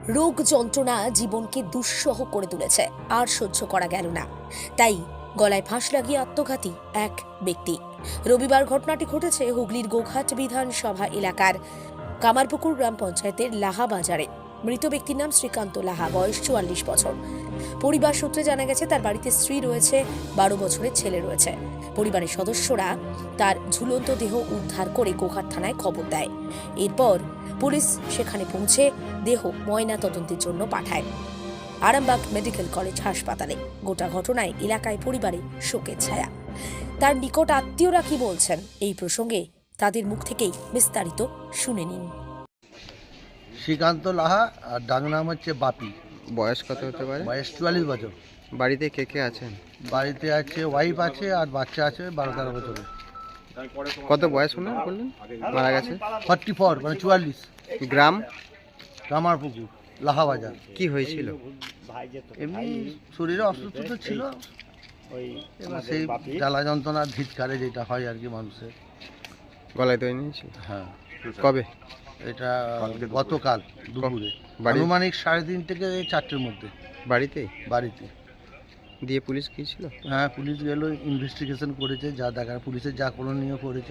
রোগ যন্ত্রণা জীবনকে দুঃসহ করে তুলেছে, আর সহ্য করা গেল না। তাই গলায় ফাঁস লাগিয়ে আত্মঘাতী এক ব্যক্তি। রবিবার ঘটনাটি ঘটেছে হুগলির গোঘাট বিধানসভা এলাকার কামারপুকুর গ্রাম পঞ্চায়েতের লাহা বাজারে। মৃত ব্যক্তির নাম শ্রীকান্ত লাহা, বয়স 44 বছর। পরিবার সূত্রে জানা গেছে তার বাড়িতে স্ত্রী রয়েছে, 12 বছরের ছেলে রয়েছে। পরিবারের সদস্যরা তার ঝুলন্ত দেহ উদ্ধার করে গোঘাট থানায় খবর দেয়। এরপর পুলিশ সেখানে পৌঁছে দেহ ময়না তদন্তের জন্য পাঠায় আরামবাগ মেডিকেল কলেজ হাসপাতালে। গোটা ঘটনায় এলাকায় পরিবারে শোকের ছায়া। তার নিকট আত্মীয়রা কি বলছেন এই প্রসঙ্গে তাদের মুখ থেকেই বিস্তারিত শুনে নিন। শ্রীকান্ত লাহা আর ডাক নাম হচ্ছে বাপি। বয়স কত হতে পারে? বয়স 44 বছর। বাড়িতে কে কে আছেন? বাড়িতে আছে ওয়াইফ আছে আর বাচ্চা আছে 12-13 বছরের। কত বয়স বললেন মারা গেছে? 44 মানে 44। গ্রাম কামারপুকুর লাহা বাজার। কি হয়েছিল? এমনি শরীরে অসুস্থ তো ছিল, এবার সেই জ্বালা যন্ত্রণা ধিৎকারে যেটা হয় আর কি মানুষের। গলায় দই নিয়েছিল? হ্যাঁ। কবে? এটা গতকাল দুপুরে আনুমানিক 3:30 থেকে 4টের মধ্যে। বাড়িতে? বাড়িতে। দিয়ে পুলিশ গিয়েছিল? হ্যাঁ, পুলিশ গেল, ইনভেস্টিগেশন করেছে, যা দেখার পুলিশের যা করণীয় করেছে।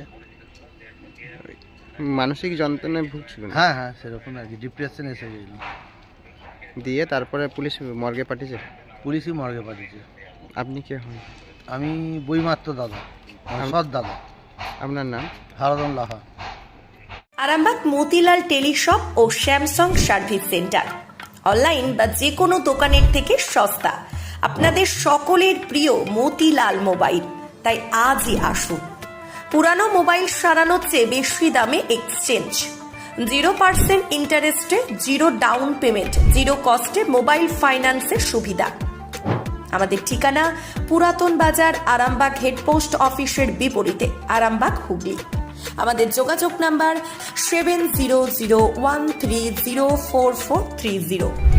মানসিক যন্ত্রণায় ভুগছিল? হ্যাঁ হ্যাঁ, সেরকম আর কি, ডিপ্রেশন এসে গেল। দিয়ে তারপরে পুলিশ মর্গে পাঠিয়েছে? পুলিশই মর্গে পাঠিয়েছে। আপনি কে হন? আমি বইমাত্র দাদা, সৎ দাদা। আপনার নাম? হারাদন লাহা। আরামবাগ মতিলাল টেলিশপ ও স্যামসাং সার্ভিস সেন্টার অনলাইন বা যে কোনো দোকানের থেকে সস্তা। আপনাদের সকলের প্রিয় মতিলাল মোবাইল, তাই আজই আসুন। পুরানো মোবাইল সারানোর চেয়ে বেশি দামে এক্সচেঞ্জ, 0% ইন্টারেস্টে, 0 ডাউন পেমেন্ট, 0 কস্টে মোবাইল ফাইন্যান্সের সুবিধা। আমাদের ঠিকানা পুরাতন বাজার, আরামবাগ হেডপোস্ট অফিসের বিপরীতে, আরামবাগ, হুগলি। আমাদের যোগাযোগ নাম্বার 7001304430।